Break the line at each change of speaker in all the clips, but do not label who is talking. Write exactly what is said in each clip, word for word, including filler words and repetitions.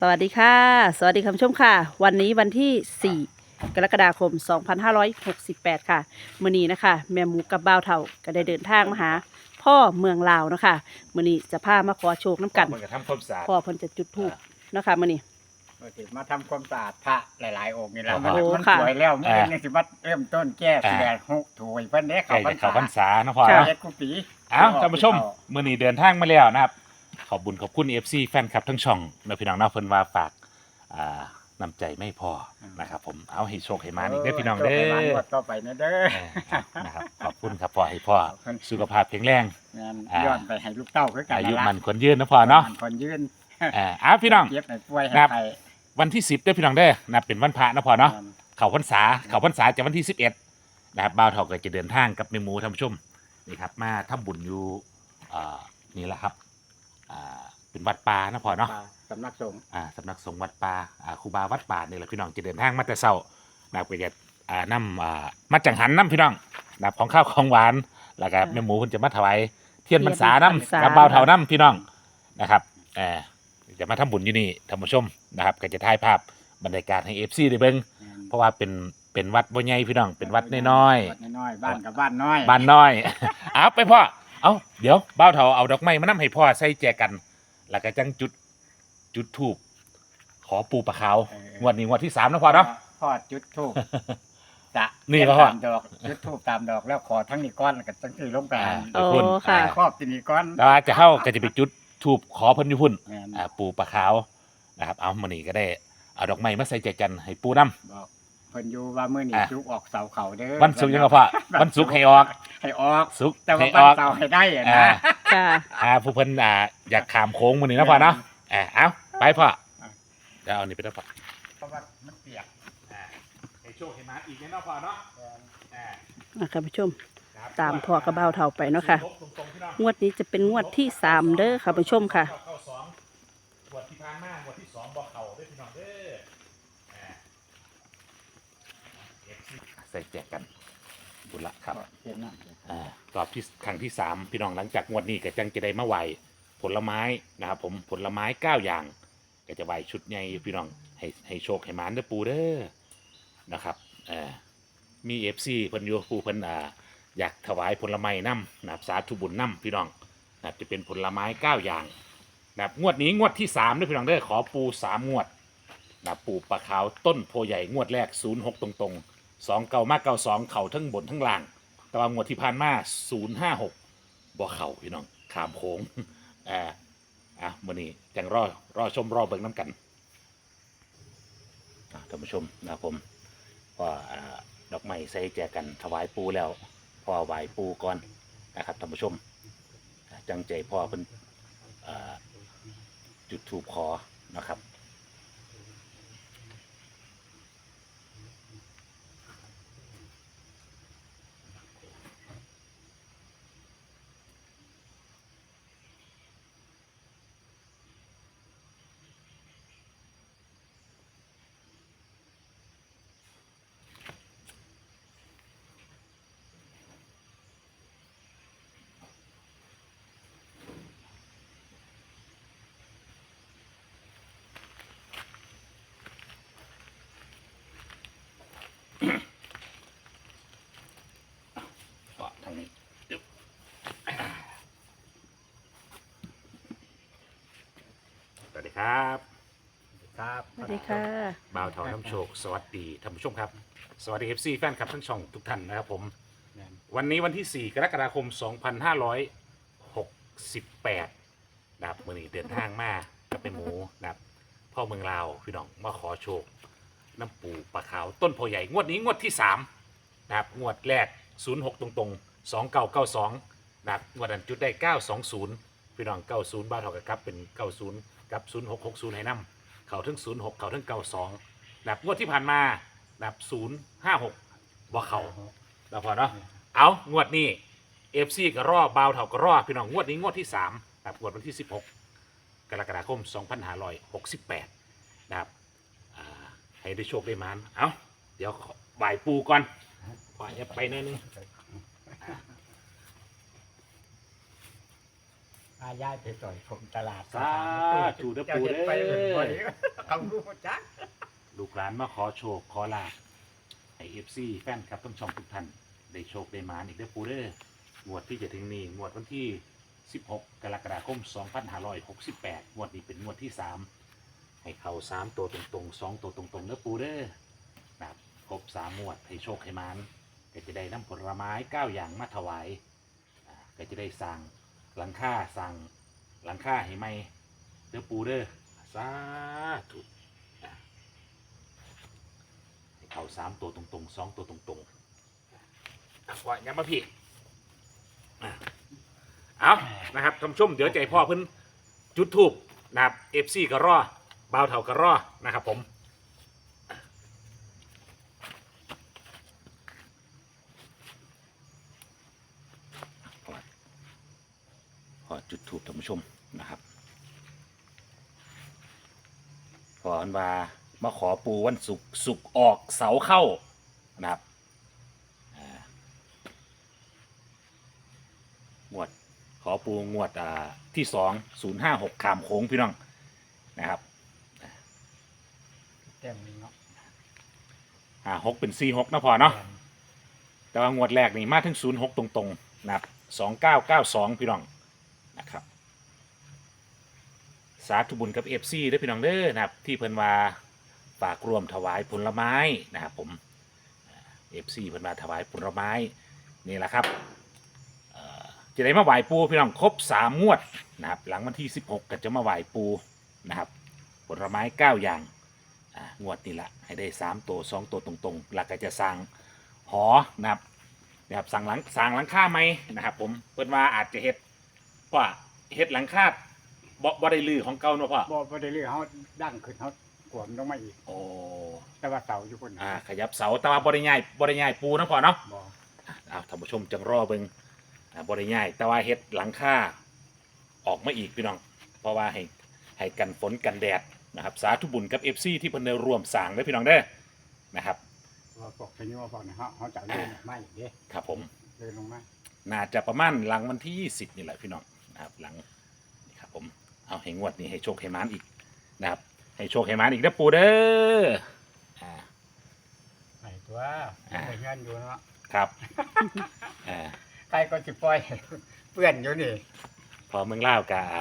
สวัสดีค่ะสวัสดีคุณผู้ชมค่ะวันนี้วันที่สี่กรกฎาคมสองพันห้าร้อยหกสิบแปดค่ะมื้อนี้นะคะแม่หมูกับบ่าวเฒ่าก็ได้เดินทางมาหาพ่อเมืองลาวเนาะค่ะมื้อนี้จะพามาขอโชคน้ำกัน
มันก็ทำความสะอาด
พ่อเพิ่นจะจุดธูปเนาะค่ะมื้อนี้
ก็สิมาทำความสะอาดพระหลายๆองค์นี่แหละ
โอ้
มัน
โห
มัน
ค่ะ
สวยแล้วมัน
อ่า
นี่สิมาเริ่มต้นแก้
อ่า
เสียหกถวยเพิ่นเด้
ใกล้
เขาพร
จะ
ร
เข้าพรร
ษา
ษาเนาะพ่อ
ค่ะ
เนาะ
เจ็ดกุปี
เอ้าท่านผู้ชมมื้อนี้เดินทางมาแล้วนะครับ ขอบบุญขอบคุณ เอฟ ซี แฟนคลับทั้งช่องนะพี่น้องเนาะเพิ่นว่าฝากอ่านำใจไม่พอนะครับผมเอาให้โชคให้มาอีกเด้อพี่น้องเด้
โชคให้หลาน
อ
งวดต่อไปนะเด้อ
เออเอานะครับขอบคุณครับพ่อให้พ่อสุขภาพแข็งแรง
งาน
อ่า
ย้อนไปให้ลูกเต้าคือกัน
อายุ
ละ
มันคนยืนนะพ่อเนาะ
มัคนยืน
เออเอาพี่น้อง
เจ็บให้ป่วยให้
ครับ
ไข้
วันที่สิบเด้อพี่น้องเด้อนะเป็นวันพระนะพ่อเนาะ
อืม
เขาพรรษาเขาพรรษาจะวันที่สิบเอ็ดนะครับบ่าวเฒ่าก็จะเดินทางกับแม่หมูท่านผู้ชมนี่ครับมาทำบุญอยู่อ่านี่แหละครับอ่าเป็นวัดป่านะพ่อเนาะ
สำนักสงฆ์
อ่าสำนักสงฆ์วัดป่าอ่าครูบาวัดป่านี่แหละพี่น้องจะเดินทางมาแต่เช้านะครับก็จะอ่านำอ่ามาจังหันน้ำพี่น้องนะครับของข้าวของหวานแล้วก็แม่หมูเพิ่นจะมาถวายเทียนพรรษาน้ำกับบ่าวเฒ่าน้ำพี่น้องนะครับเออจะมาทำบุญอยู่นี่ท่านผู้ชมนะครับก็จะถ่ายภาพบรรยากาศให้ เอฟ ซี ได้เบิ่ง เพราะว่าเป็นเป็นวัดบ่ใหญ่พี่น้องเป็นวัดน้อย
วัดน้อยๆบ้านกับบ้านน้อย
ๆบ้านน้อย เอาไปพ่อเอาเดี๋ยวบ่าวเฒ่าเอาดอกไม้มานำให้พ่อใส่แจกัน แล้วก็จังจุดจุดธูปขอปูปลาขาว
เออ
งวดนี้งวดที่สามนะพ่อเนาะ
พ่อจุดธูปจะ
นี่
เทีย
พ่อ
ตามดอกจุดธูปตามดอกแล้วขอทั้งนี้ก้อนแล้วก็ทั้งที่ลงกลาง
อ่า
โอ้ค่ะ
ครอบที่นี่ก้อน
แต่ว่าจะเข้าก็จะไปจุดธูปขอเพิ่นอยู่พุ่น
แม่น
อ่าปูปลาขาวนะครับเอามื้อนี้ก็ได้เอาดอกไม้มาใส่แจกันให้ปูนํ
บอกเพิ่นอยู่ว่ามื้อนี้
อ่า
จุกออกเสาเขาเด้อ
วันศุกร์ยังก็พ่อวันศุกร์ให้ออก
ให้ออก
ศุกร์
แต่ว่า
ให้อ
วัน
อก
เสาร์ให้ได้อะ
อ่า
นะ
ค่ะ
อ่าผู้เพิ่นอ่าอยากขามโค้งมื้อนี้นะพ่อเนาะอ่าเอาไปพ่อเดี๋ยวเอานี่ไปแล้วพ่อ
เพราะว่ามันเปียก
อ่าให้โชคให้มาอีกแน่เนาะพ่อเนาะอ่า
อ่ะค่ะผู้ชม
ครับ
ตามพ่อกับบ่าวเฒ่าไปเนาะค่ะ
ตรงๆพี่น้อง
งวดนี้จะเป็นงวดที่สามเด้อค่ะผู้ชมค่ะ
เข้าสองงวดที่ผ่านมางวดที่สองบอกเข่าด้วยพี่น้องเด้ออ่าเอฟซีใส่แจกกันบุญละครับ
เห็นนะ
อ่ารอบที่ครั้งที่สามพี่น้องหลังจากงวดนี้ก็จังจะได้มาไหวผลไม้นะครับผมผลไม้เก้าอย่างก็จะไหวชุดใหญ่พี่น้องให้ให้โชคให้หมานเด้อปูเด้อนะครับเอ่อมีเอฟซีเพิ่นอยู่ปูเพิ่นอ่าอยากถวายผลไม้น้ำนะครับสาธุบุญน้ำพี่น้องนะครับจะเป็นผลไม้เก้าอย่างนะครับงวดนี้งวดที่สามด้วยพี่น้องเด้อขอปูสามงวดนะครับปูปลาขาวต้นโพใหญ่งวดแรกศูนย์หกตรงๆสองเก่ามากเก่าสองเข่าทั้งบนทั้งล่าง แต่ว่างวดที่ผ่านมาศูนย์ห้าหกบ่เข่าพี่น้องขามโค้ง อ่าอ่ะมื้อนี้จังรอรอชมรอเบิ่งน้ำกันอ่ะท่านผู้ชมนะครับผมพออ่าดอกไม้ใส่แจกันถวายปูแล้วพ่อไหว้ปูก่อนนะครับท่านผู้ชมอ่ะจังใจพ่อเพิ่นอ่าจุดธูปขอนะครับก็ทางนี้อึ๊บสวัสดีครับ
ครับ
สวัสดีค่ะ
บ่าวเถาน้ำโชคสวัสดีท่านผู้ชมครับ สวัสดีเอฟซีแฟนคลับทั้งช่องทุกท่านนะครับผม
แม่น
วันนี้วันที่ สี่ กรกฎาคม สองพันห้าร้อยหกสิบแปด นะครับมื่อนี้เดินทางมากับแม่หมูนะครับพ่อเมืองลาวพี่น้องมาขอโชค น้ำปูปลาขาวต้นโพใหญ่งวดนี้งวดที่สามนะครับงวดแรก ศูนย์หก ตรงๆ สองเก้าเก้าสอง นะครับงวดนั้นจุดได้ เก้าสองศูนย์ พี่น้อง เก้าศูนย์ บ้านเท่ากับครับเป็น เก้าศูนย์ กับ ศูนย์หก หกศูนย์ ให้นำเขาถึง ศูนย์หก เขาถึง เก้าสอง นะครับงวดที่ผ่านมานะครับศูนย์ห้าหกบ่เขาแล้วพอเนาะเอางวดนี้ เอฟซีก็รอบาวเท่าก็รอพี่น้องงวดนี้งวดที่สามนะครับงวดวันที่สิบหกกรกฎาคมสองพันห้าร้อยหกสิบแปดนะครับอ่าให้ได้โชคได้มานเอาเดี๋ยวขอบ่ายปูก่อนขออย่าไปหนิดนึงอ่า
อาย้ายไปต่อยผมตลาด
สาธุเด้อ
เจ้า
ปู่
เห็น
เด้อ
ไปเห็นบ่ได้เขารู้หมดจัก
ลูกหลานมาขอโชคขอลาภให้เอฟซีแฟนครับต้องชมทุกท่านได้โชคได้หมานอีกเด้อปูเด้องวดที่จะถึงนี้งวดวันที่สิบหกกรกฎาคมสองพันห้าร้อยหกสิบแปดงวดนี้เป็นงวดที่สามให้เข้าสามตัวตรงๆสองตัวตรงๆเด้อปูเด้อนะครับครบสามงวดให้โชคให้หมานก็จะได้นำผลไม้เก้าอย่างมาถวายอ่าก็จะได้สั่งหลังค่าสั่งหลังค่าให้ไหมเด้อปูเด้อสาธุ เขาสามตัวตรงๆสองตัวตรงๆอ่ะว่ายังมาพี่อ่ะเอานะครับท่านผู้ชมเดี๋ยวใจพ่อเพิ่นจุดทูบนะครับเอฟซีก็รอบ่าวเถาก็รอนะครับผมพอจุดทูบท่านผู้ชมนะครับพออันว่ามาขอปูวันศุกร์ศุกร์ออกเสาเข้านะครับอ่างวดขอปูงวดอ่าที่สองศูนย์ห้าหกขามโค้งพี่น้องนะครับ
แต้มนี้เนาะ
อ่าหกเป็นสี่หกนะพอเนาะแต่ว่างวดแรกนี่มาถึงศูนย์หกตรงๆนะครับสองเก้าเก้าสองพี่น้องนะครับสาธุบุญกับเอฟซีด้วยพี่น้องเด้อนะครับที่เพิ่นว่าฝากรวมถวายผลไม้นะครับผมเอฟซีเพิ่นมาถวายผลไม้นี่แหละครับเอ่อจะได้มาไหว้ปูพี่น้องครบสามงวดนะครับหลังวันที่สิบหกก็จะมาไหว้ปูนะครับผลไม้เก้าอย่างอ่างวดนี่แหละให้ได้สามตัวสองตัวตรงๆหลักก็จะสั่งหอนะครับนะครับสั่งหลังสั่งหลังคาไหมนะครับผมเพิ่นว่าอาจจะเฮ็ดว่าเฮ็ดหลังคาบ่บ่ได้ลือของเก่าเนาะพ่อ
บ่บ่ได้เรื่องเขาดั้งขึ้นเขากวมลงมาอีก
โอ้
แต่ว่าเสาอยู่คน
อ่าขยับเสาแต่ว่าบริง่ายบริง่ายปูนะพ่อเนาะ
บ่
อ้าวท่านผู้ชมจังรอเบิงอ่าบริง่ายแต่ว่าเฮ็ดหลังคาออกมาอีกพี่น้องเพราะว่าให้ให้กันฝนกันแดดนะครับสาธุบุญกับ เอฟ ซี ที่เพิ่นได้ร่วมสร้างเด้อพี่น้องเด้อนะครับ
ว่าพวกพนี้ว่าพวกนี้เขาเขาจะเลื่อนไม่อีกเด้
ครับผม
เลื่อนลงมา
น่าจะประมาณหลังวันที่ยี่สิบนี่แหละพี่น้องนะครับหลังนี่ครับผมเอาให้งวดนี้ให้โชคให้หมานอีกนะครับให้โชคให้หมานอีกเด้อปูเด้ออ่า
ไอ้ตัวไปเงินอยู่เนาะ
ครับอ่า
ใครก็สิปล่อย เปื้อนอยู่นี่
พอเมืองล่าวกะ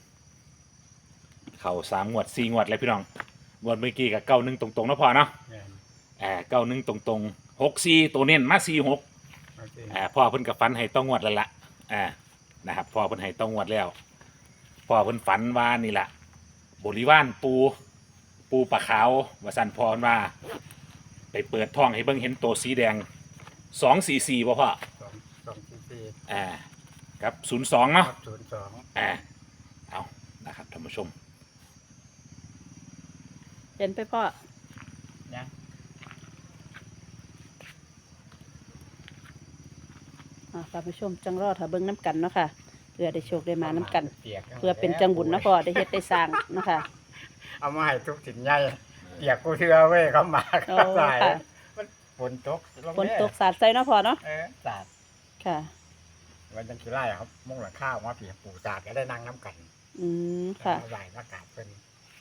เข่าสามงวดสี่งวดเลยพี่น้องงวดเมื่อกี้กับเก้าหนึ่งตรงๆนะพอเนาะ
แม่น
อ่าเก้าหนึ่งตรงๆหกสี่ตัวเน้นมาสี่หก
โอเค
อ่าพ่อเพิ่นกับฝันให้ต้องงวดแล้วละอ่านะครับพ่อเพิ่นให้ต้องงวดแล้วพ่อเพิ่นฝันว่านี่แหละบริวารปูปูปลาขาวว่าสันพรว่า ไปเปิดท้องให้เบิ่งเห็นตัวสีแดงสองสี่สี่ป่ะพ่อ
สองสองสี่สี่
อ่ากับศูนย์สองเนาะ
ศูนย์สอง
อ่าเอานะครับท่านผู้ชม
เห็นไปพ่อ
เนี่ย
อ่าท่านผู้ชมจังรอถ้าเบิ่งน้ำกันเนาะค่ะเพื่อได้โชคได้มาน้ำกัน
ปีย
เพื่อเป็นจังบุญเนาะพ่อได้เฮ็ดได้สร้างเนาะค่ะ
เอามาให้ทุกสิ่งใหญ่เปียกกูเชื่อเว้ยเขามา
โอ้
เขาใส่
ค่ะ
มันฝนตกลง
ฝน
เด้
ตกสาดใส่เนาะพ่อเนาะ
เออสาด
ค่ะ
วันจันทร์ที่ไร่ครับมุ่งหลังข้าวมาเปียกปูสาดก็ได้นั่งน้ำกัน
อืมค่ะ
มาไหว้มากราบเป็น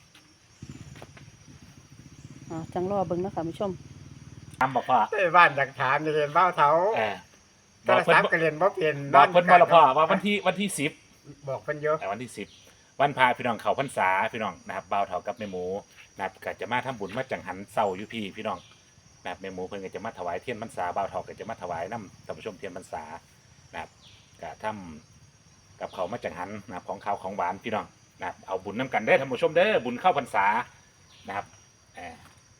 อ่าจังรอเบิ่งเนาะค่ะผู้ชม
ถามบอกว่า
เอ้ยบ้านอยากถามจะเรียนเบ้าเท้า
เออ
โท
บอก
ร
เพิ่น
ศัพท์ก็เรียนบ่เปลี่ยน
บอกเพิ่นมาและพ่อว่าวันที่วันที่สิบ
บอกเพิ่นเยอะ
แต่วันที่สิบวันพาพี่น้องเขาพรรษาพี่น้องนะครับบ่าวเฒ่ากับแม่หมูนะครับก็จะมาทำบุญมาจังหันเศร้าอยู่พี่พี่น้องนะครับแม่หมูเพิ่นก็จะมาถวายเทียนพรรษาบ่าวเฒ่าก็จะมาถวายน้ำท่านผู้ชมเทียนพรรษานะครับก็ทำกับเขาวมาจังหันนะครับของข้าวของหวานพี่น้องนะครับเอาบุญน้ำกันเด้อท่านผู้ชมเด้อบุญเข้าพรรษานะครับเอ่อ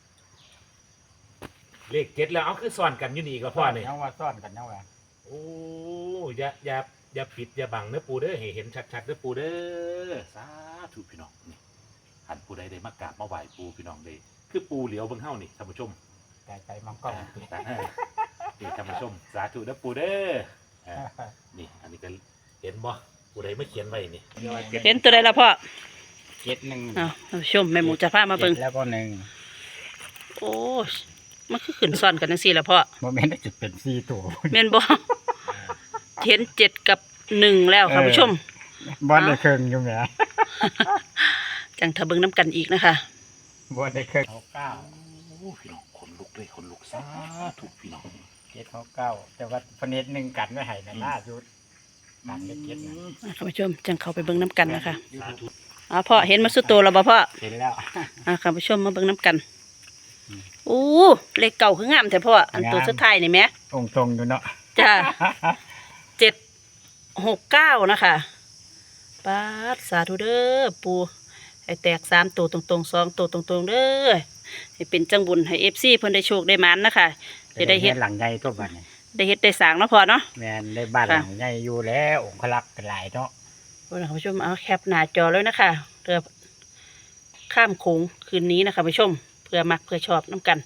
เลขเจ็ดแล้วเอาคือซ่อนกันอยู่นี่ก็พ่อนี่
ยังว่าซ่อนกันยังว่า
โอ้อย่าอย่าอย่าปิดอย่าบังเนื้อปูเด้อให้เห็นชัดๆเนื้อปูเด้อสาธุพี่น้องนี่หันปูใดได้มากราบมาไหว้ปูพี่น้องเลยคือปูเหลียวเบิ่งเฮานี่ท่านผู้ชม
ไก่ไก่มังกร
อ่าตาเอ้ยนี่ท่านผู้ชมสาธุเด้อปูเด้ออ่านี่อันนี้ก็เห็นบ่ปูใดไม่เขียนไว้นี่
เห็นตัวใดละพ่อ
เจ็ดหนึ่ง
อ้าวท่านผู้ชมแม่หมูจะพามาเบิ่ง
จ็ดแล้วก็หนึ่ง
โอ้ยมันคือขึ้นซ้อนกันจังซี่ละพ่อ
โมเมนต์ได้จุดเป็นสี่ตัว
แม่นบ่เห็นเจ็ดกับหนึ่งแล้วค่ะผู้ชม
บอลได้เครื่องอยู่แหม
จังทะเบิงน้ำกันอีกนะคะ
บอลได้เครื่องหกเก้า
โอ้พี่น้องคนลุกเลยคนลุกซาถูกพี่น้อง
เจ็ดหกเก้าแต่ว่าพเนตหนึ่งกันไม่ให้นะล่าสุดกันเล็กเจ็ดนะ
อ่ะท่านผู้ชมจังเข้าไปเบิงน้ำกันนะคะ
สาธุ
อ๋อพ่อเห็นมาสุดตัวแล้วบ่พ่อ
เห็นแล้ว
อ่ะท่านผู้ชมมาเบิงน้ำกันอู้เลขเก่าคืองามแต่พ่ออันตัวสุดท้ายนี่แหม
องค์ทรงอยู่เนาะ
จ้าเจ็ดหกเก้านะคะป้าดสาธุเด้อปูให้แตกสามตัวตรงๆสองตัวตรงๆเด้อให้เป็นจังบุญให้เอฟซีเพิ่นได้โชคได้หมันนะคะจะได้เฮ็ด
หลังใหญ่ตัวบ้านนี่
ได้เฮ็ดได้สร้างเนาะพ่อเนาะ
แมนได้บ้าน
ค่ะ
หลังใหญ่อยู่แล้วองค์พลักษ์เป็นหลายเนาะ
ท่านผู้ชมเอาแคปหน้าจอเลยนะคะเรือข้ามโขงคืนนี้นะคะผู้ชมเพื่อมักเพื่อชอบน้ำกัน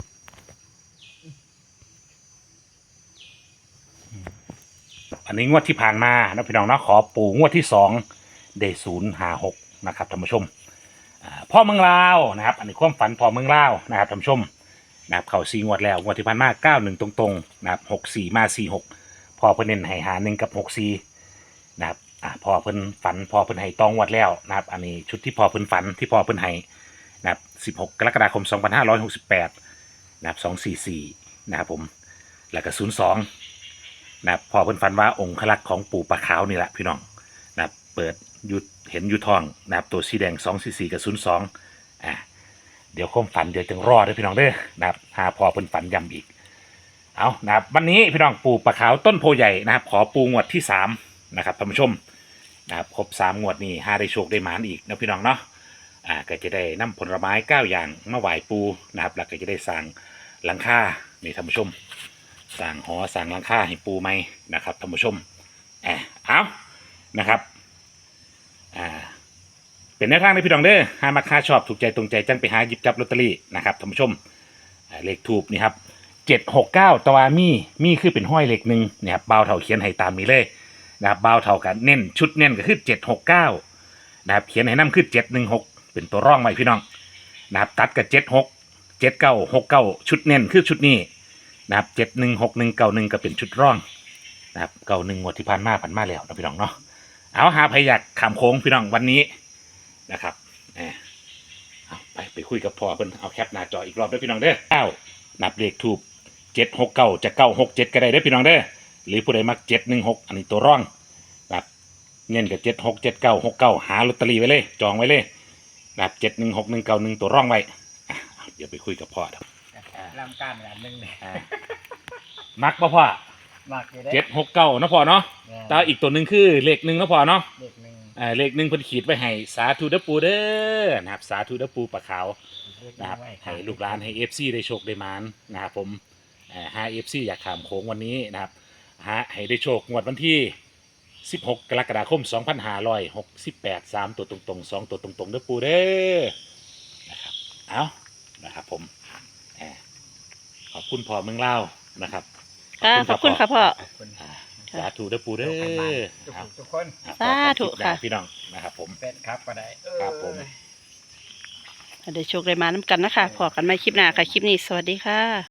อันนี้งวดที่ผ่านมานะพี่น้องเนาะขอปู่งวดที่สองได้ศูนย์หาหกนะครับท่านผู้ชมอ่าพ่อเมืองลาวนะครับ อันนี้ความฝันพ่อเมืองลาวนะครับท่านผู้ชมนะครับเขาสี่งวดแล้วงวดที่ผ่านมาเก้าหนึ่งตรงๆนะครับหกสี่มาสี่หกพอเพิ่นเน้นให้หาหนึ่งกับหกสี่นะครับอ่าพอเพิ่นฝันพอเพิ่นให้ตองงวดแล้วนะครับ อันนี้ชุดที่พอเพิ่นฝันที่พอเพิ่นให้นะครับสิบหกกรกฎาคมสองพันห้าร้อยหกสิบแปดนะครับสองสี่สี่นะครับผมแล้วก็ศูนย์สองนะครับพอเพิ่นฝันว่าองค์ขลักษ์ของปู่ปลาขาวนี่แหละพี่น้องนะครับเปิดยุดเห็นอยุทองนะครับตัวสีแดงสองสี่สี่กับศูนย์สองอ่าเดี๋ยวความฝันเดี๋ยวจึงรอเด้อพี่น้องเด้อนะครับหาพอเพิ่นฝันย้ำอีกเอานะครับวันนี้พี่น้องปู่ปลาขาวต้นโพใหญ่นะครับขอปูงวดที่สามนะครับท่านผู้ชมนะครับครบสามงวดนี่หาได้โชคได้หมานอีกนะพี่น้องเนาะอ่าก็จะได้นำผลไม้เก้าอย่างมาไหว้ปูนะครับแล้วก็จะได้สร้างหลังคานี่ท่านผู้ชมสร้างหอสร้างหลังคาให้ปูไหมนะครับท่านผู้ชมอ่าเอานะครับอ่าเป็นแนวทางในพี่น้องเด้อหามาค่าชอบถูกใจตรงใจจังไปหาหยิบจับลอตเตอรี่นะครับท่านผู้ชมอ่าเลขทูบนี่ครับเจ็ดหกเก้าตวามีมีคือเป็นห้อยเลขหนึ่งเนี่ยครับเบาเท่าเขียนให้ตามนี้เลยนะครับเบาเท่ากันเน้นชุดเน้นก็คือเจ็ดหกเก้านะครับเขียนให้น้ำคือเจ็ดหนึ่งหกเป็นตัวร่องไว้พี่น้องนะครับตัดกับเจ็ดหกเจ็ดเก้าหกเก้าชุดเน้นคือชุดนี้นะครับเจ็ดหนึ่งหกหนึ่งเก้าหนึ่งก็เป็นชุดร่องนะครับเก้าหนึ่งงวดที่ผ่านมาผ่านมาแล้วนะพี่น้องเนาะเอาหาพยักขามโค้งพี่น้องวันนี้นะครับเออเอาไปไปคุยกับพ่อเพิ่นเอาแคปหน้าจออีกรอบด้วยพี่น้องเด้อเก้านับเลขทูบเจ็ดหกเก้าจะเก้าหกเจ็ดก็ได้เด้อพี่น้องเด้อหรือผู้ใดมักเจ็ดหนึ่งหกอันนี้ตัวร่องนะครับเงินกับเจ็ดหกเจ็ดเก้าหกเก้าหาลอตเตอรี่ไว้เลยจองไว้เลยนะครับเจ็ดหนึ่งหกหนึ่งเก้าหนึ่งตัวร่องไว้อ่ะเดี๋ยวไปคุยกับพ่อครับ
ลำการอันหนึ่งเนี่ย
อ่ามักป่ะพ่อ
มากอยู่ได้
เจ็ดหกเก้านะพ่อเนาะแตาอีกตัวหนึ่งคือเลขหนึ่งนะพ่อเนาะ
เด็กหนึ่ง
อ่าเลขหนึ่งเพิ่นขีดไว้ให้สาธุเด้อปูเด้อนะครับสาธุเด้อปูปลาขาวนะครับให้ลูกหลานให้ เอฟ ซี ได้โชคได้หมานนะครับผมอ่าหา เอฟ ซี อยากขามโค้งวันนี้นะครับหาให้ได้โชคงวดวันที่สิบหกกรกฎาคมสองพันห้าร้อยหกสิบแปด สามตัวตรงๆสองตัวตรงๆเด้อปูเด้อนะครับเอานะครับผมอ่าขอบคุณพ่อเมืองลาวนะครับ
ค่ะขอบคุณค่ะพ่อ
ขอบคุณ
อ่าสาธุเด้อปูเด้อ
ทุก
ครับ
ทุกคน
สาธุค่ะ
พี่น้องนะครับผม
เป็นครับก็ได้
ครับผม
ได้โชคได้หมาน้ำกันนะคะพอกันไม่คลิปหน้าค่ะ คลิปนี้สวัสดีค่ะ